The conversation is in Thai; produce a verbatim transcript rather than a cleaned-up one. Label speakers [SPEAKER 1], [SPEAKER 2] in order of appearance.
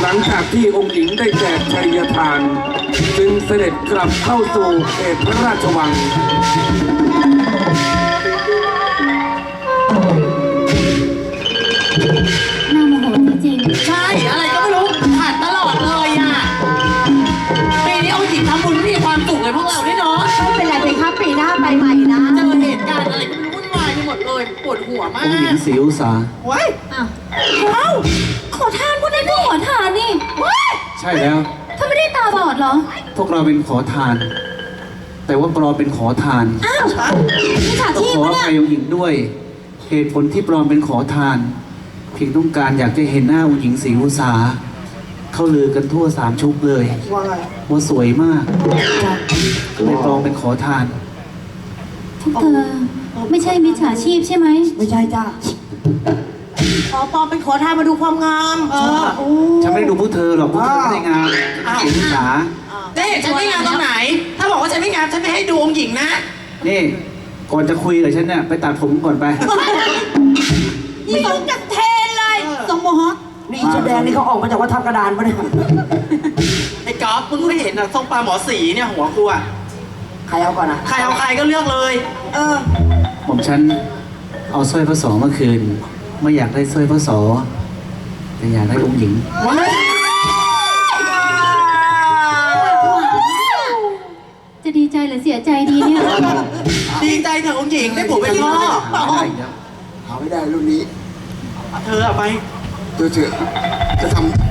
[SPEAKER 1] หลังจากที่องค์หญิงได้แจกชัยทานจึงเสด็จกลับเข้าสู่เขตพระราชวัง
[SPEAKER 2] น่าโมโหจริง
[SPEAKER 3] ใช่อะไรก็ไม่รู้ผ่านตลอดเลยอ่ะปีนี้เอาหญิงทำบุญมีความสุขเลยพวกเราด้วยเนาะ
[SPEAKER 2] ๆไม่เป็นไรเพคะปีหน้าไปใหม่นะ
[SPEAKER 3] เจอเหตุการณ์อะไรก็ไม่รู้วุ่นวายไปหมดเลยปวดหัวมา
[SPEAKER 4] องค์หญิง
[SPEAKER 3] ก
[SPEAKER 4] ศรีอุษา
[SPEAKER 3] ว้าย
[SPEAKER 2] อ้าวเอ้าขอทานพวกนั้นก็ขอทานนี่ว้าย
[SPEAKER 4] ใช่แล้ว
[SPEAKER 2] ถ้าไม่ได้ตาบอดเหรอ
[SPEAKER 4] พวกเราเป็นขอทาน แต่ว่าปลอมเป็นขอทาน
[SPEAKER 2] อ้าวนี่ฉา
[SPEAKER 4] ต้อง
[SPEAKER 2] ชีพ
[SPEAKER 4] ขอ
[SPEAKER 2] ปะ
[SPEAKER 4] อ
[SPEAKER 2] เนี่ย
[SPEAKER 4] ภัยองค์หญิงด้วย เหตุผลที่ปลอมเป็นขอทาน เพียงต้องการอยากจะเห็นหน้าองค์หญิงศรีอุษาเขาลือกันทั่วสามชุกเลย
[SPEAKER 3] ว่าไง
[SPEAKER 4] ว่าสวยมากก็เลยปลอมเป็นขอทาน
[SPEAKER 2] พวกเธอไม่ใช่มิจฉาชีพใช่ไหม
[SPEAKER 5] ไม่ใช่จ้า
[SPEAKER 3] ขอปลอมเป็นขอทานมาดูความงามเออ
[SPEAKER 4] ฉันไม่ได้ดูพวกเธอหรอกพวกเธอไม่ได้งามศรีอุษา
[SPEAKER 3] จะเห็นฉันไม่งามตรงไหน ถ้าบอกว่าฉันไม่งามฉันไม่ให้ดูองค์หญิงนะ
[SPEAKER 4] นี่ ก่อนจะคุยกับฉันเนี่ยไปตัดผมก่อนไป
[SPEAKER 2] นี่ต้องจัดเทนเลยทรงโมฮอค
[SPEAKER 5] นี่อีชุดแดงนี่เขาออกมาจากวัดทับกระดานปะเนี่ย
[SPEAKER 3] ไอ้กอล์ฟมึงไม่เห็นอ่ะทรงปลาหมอสีเนี่ยหัวกูอ่ะ
[SPEAKER 5] ใครเอาก่อนนะ
[SPEAKER 3] ใครเอาใครก็เลือกเลย เออ
[SPEAKER 4] ผมฉันเอาสร้อยพระสอเมื่อคืน ไม่อยากได้สร้อยพระสอแต่อยากได้องค์หญิง
[SPEAKER 2] จะดีใจหรือเสียใจดีเนี่ย
[SPEAKER 3] ดีใจเถอะองค์หญิงได้ผัวเป็นพ่อ
[SPEAKER 4] ไม่ได้อีกแล้ว
[SPEAKER 6] หาไม่ได้รุ่นนี้
[SPEAKER 3] เธออะไป
[SPEAKER 6] เธอเถอะจะทำ